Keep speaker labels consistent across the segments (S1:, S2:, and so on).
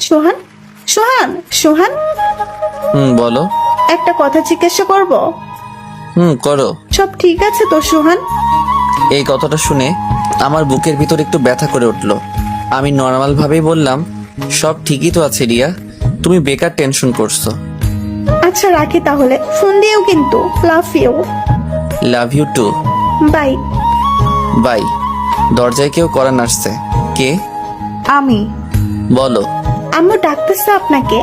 S1: সোহান, সোহান, সোহান,
S2: বলো।
S1: একটা কথা জিজ্ঞাসা করব?
S2: করো।
S1: সব ঠিক আছে তো সোহান?
S2: এই কথাটা শুনে আমার বুকের ভিতর একটু ব্যথা করে উঠলো। আমি নর্মাল ভাবেই বললাম, সব ঠিকই তো আছে রিয়া, তুমি বেকার টেনশন করছো।
S1: আচ্ছা রাখি তাহলে, ফোন দিও কিন্তু। Love you.
S2: Love you too.
S1: Bye.
S2: Bye. দরজায় কেউ করা নাড়ছে। কে?
S1: আমি।
S2: বলো।
S1: আম্মু ডাকতেছে আপনাকে।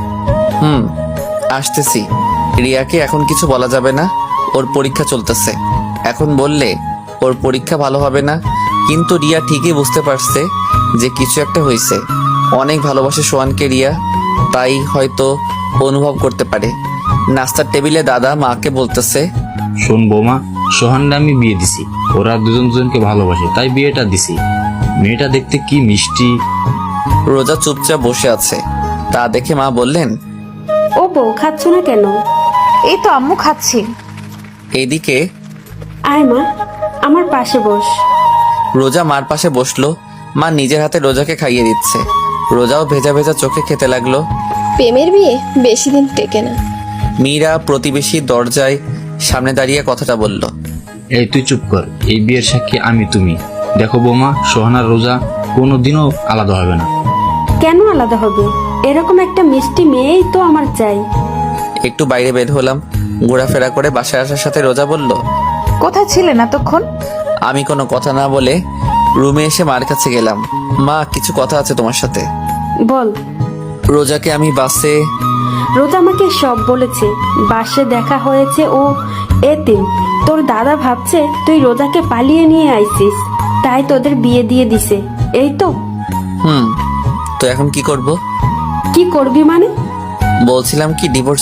S2: আসতেছি। রিয়াকে এখন কিছু বলা যাবে না, ওর পরীক্ষা চলতেছে। এখন বললে ওর পরীক্ষা ভালো হবে না। কিন্তু রিয়া ঠিকই বুঝতে পারছে যে কিছু একটা হয়েছে। অনেক ভালোবাসে সোহানকে রিয়া, তাই হয়তো অনুভব করতে পারে। নাস্তার টেবিলে দাদা মাকে বলতেছে,
S3: শোন বৌমা, সোহানকে আমি বিয়ে দিছি। ওরা দুজন দুজনকে ভালোবাসে তাই বিয়েটা দিছি। মেয়েটা দেখতে কি মিষ্টি।
S2: রোজা চুপচাপ বসে আছে, তা দেখে মা বললেন,
S4: ও বউ, খাচ্ছ না কেন?
S1: এই তো আম্মু খাচ্ছি।
S2: এইদিকে
S4: আয় মা, আমার পাশে বস।
S2: রোজা মার পাশে বসলো। মা নিজের হাতে রোজাকে খাইয়ে দিচ্ছে। রোজাও ভেজা ভেজা চোখে খেতে লাগলো।
S5: প্রেমের বিয়ে বেশি দিন টেকে না।
S2: মীরা প্রতিবেশী দরজায় সামনে দাঁড়িয়ে কথাটা বলল।
S3: এই তুই চুপ কর, এই বিয়ের সাক্ষী আমি তুমি। দেখো বৌমা, সোহান আর রোজা কোনোদিনও আলাদা হবে না।
S4: কেন আলাদা হবে? এরকম একটা মিষ্টি মেয়েই তো আমার চাই।
S2: একটু বাইরে বের হলাম। ঘোরাফেরা করে বাসায় আসার সাথে রোজা বলল,
S1: কোথায় ছিলেন এতক্ষণ?
S2: আমি কোনো কথা না বলে রুমে এসে মার কাছে গেলাম। মা, কিছু কথা আছে তোমার সাথে।
S4: বল।
S2: রোজাকে আমি বাসে।
S4: রোজা আমাকে সব বলেছে। বাসে দেখা হয়েছে, ও এতিম। তোর দাদা ভাবছে তুই রোজাকে পালিয়ে নিয়ে আইছিস, তাই তোদের বিয়ে দিয়ে দিছে। এই তো।
S2: তো এখন কি করব?
S4: কি করবি মানে?
S2: বলছিলাম কি ডিভোর্স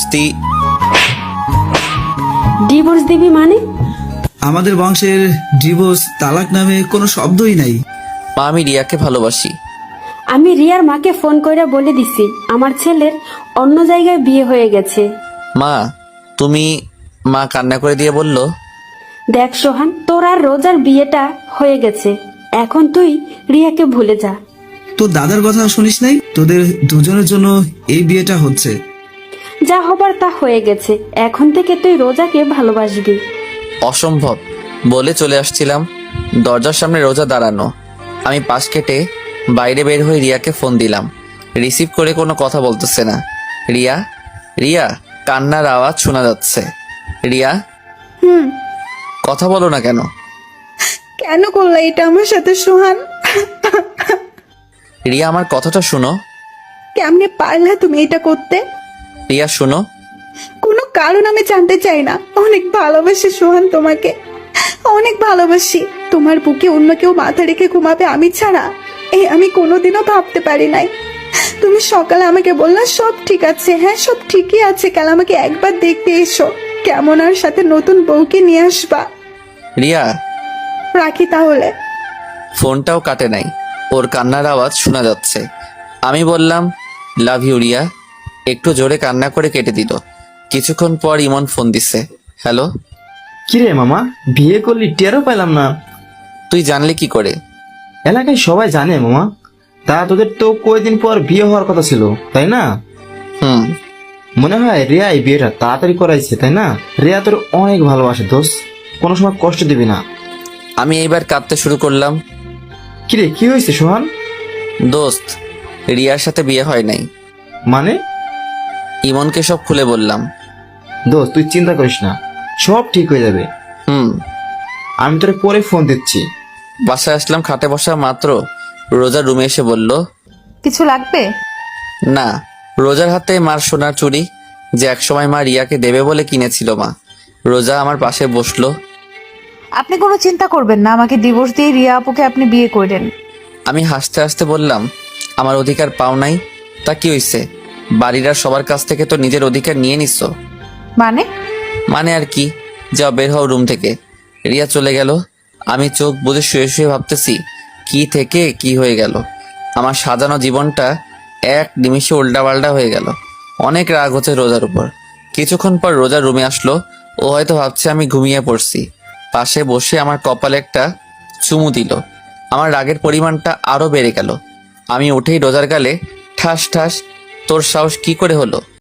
S4: ডিভোর্স দিবি মানে?
S6: আমাদের বংশের ডিভোর্স তালাক নামে কোনো শব্দই নাই।
S2: মা, আমি রিয়াকে ভালোবাসি।
S4: আমি রিয়ার মাকে ফোন করে বলে দিছি আমার ছেলের অন্য জায়গায় বিয়ে হয়ে গেছে।
S2: মা, তুমি। মা কান্না করে দিয়ে বলল,
S4: দেখ সোহান, তোর আর রোজার বিয়েটা হয়ে গেছে। এখন তুই রিয়াকে ভুলে যা।
S6: তোর দাদার কথা শুনিস নাই? তোদের দুজনের জন্য এই বিয়েটা হচ্ছে।
S4: যা হবার তা হয়ে গেছে। এখন থেকে তুই রোজাকে ভালোবাসবি।
S2: অসম্ভব বলে চলে আসছিলাম। দরজার সামনে রোজা দাঁড়ানো। আমি পাশ কেটে বাইরে বের হয়ে রিয়াকে ফোন দিলাম। রিসিভ করে কোনো কথা বলতেছে না। রিয়া, রিয়া, কান্নার আওয়াজ শোনা যাচ্ছে। রিয়া, কথা বলো না কেন?
S1: কেন করলা এটা আমার সাথে সোহান?
S2: রিয়া, আমার কথাটা শুনো।
S1: কেমনে পারলা তুমি এটা করতে?
S2: রিয়া শোনো।
S1: কোনো কারণ আমি জানতে চাই না। অনেক ভালোবাসি সোহান তোমাকে, অনেক ভালোবাসি। তোমার বুকে অন্য কেউ মাথা রেখে ঘুমাবে আমি ছাড়া, আমি কোনোদিনও ভাবতে পারি নাই। তুমি সকালে আমাকে বললা সব ঠিক আছে। হ্যাঁ, সব ঠিকই আছে। কাল আমাকে একবার দেখতে এসো, কেমন আর সাথে নতুন বউকে নিয়ে আসবা।
S2: রিয়া,
S1: রাখি তাহলে।
S2: ফোনটাও কাটে নাই, ওর কান্নার আওয়াজ শোনা যাচ্ছে। আমি বললাম, লাভ ইউ রিয়া। একটু জোরে কান্না করে কেটে দিল। কিছুক্ষণ পর ইমন ফোন দিছে। হ্যালো।
S7: কিরে মামা, বিয়ে করলি? টেরও পেলাম না।
S2: তুই জানলি কি করে?
S7: এলাকায় সবাই জানে মামা। তা তোদের তো কয়েকদিন পর বিয়ে হওয়ার কথা ছিল, তাই না? মনে হয় রিয়া এই বিয়েটা তাড়াতাড়ি করাইছে, তাই না? রিয়া তোর অনেক ভালোবাসে দোস্ত, কোনো সময় কষ্ট দিবি না।
S2: আমি এইবার কাঁদতে শুরু করলাম।
S7: কিরে, কি হয়েছে সোহান?
S2: দোস্ত, রিয়ার সাথে বিয়ে হয় নাই।
S7: মানে?
S2: ইমনকে সব খুলে বললাম।
S7: দোস্ত তুই চিন্তা করিস না, সব ঠিক হয়ে যাবে। আমি তোরে পরে ফোন দিচ্ছি।
S2: বাসায় আসলাম। খাটে বসা মাত্র রোজা রুমে এসে বলল,
S1: কিছু লাগবে?
S2: না। রোজার হাতে মার সোনার চুড়ি, যে একসময় মা রিয়াকে দেবে বলে কিনেছিল মা। রোজা আমার পাশে বসলো।
S8: আপনি কোনো চিন্তা করবেন না, আমাকে ডিভোর্স দিয়ে রিয়া আপুকে আপনি বিয়ে করেন।
S2: আমি হাসতে হাসতে বললাম, আমার অধিকার পাও নাই? তা কি হইছে? বাড়ির আর সবার কাছ থেকে তো নিজের অধিকার নিয়ে নিচ্ছ।
S8: মানে
S2: আর কি, যাও বের হও রুম থেকে। রিয়া চলে গেল। আমি চোখ বুজে শুয়ে শুয়ে ভাবতেছি কি থেকে কি হয়ে গেল। আমার সাজানো জীবনটা এক নিমিষে উল্টাপাল্টা হয়ে গেল। অনেক রাগ হচ্ছে রোজার উপর। কিছুক্ষণ পর রোজা রুমে আসলো। ও হয়তো ভাবছে আমি ঘুমিয়ে পড়ছি। পাশে বসে আমার কপালে একটা চুমু দিল। আমার রাগের পরিমাণটা আরো বেড়ে গেল। আমি উঠেই রোজার গালে ঠাস ঠাস, তোর সাহস কি করে হলো?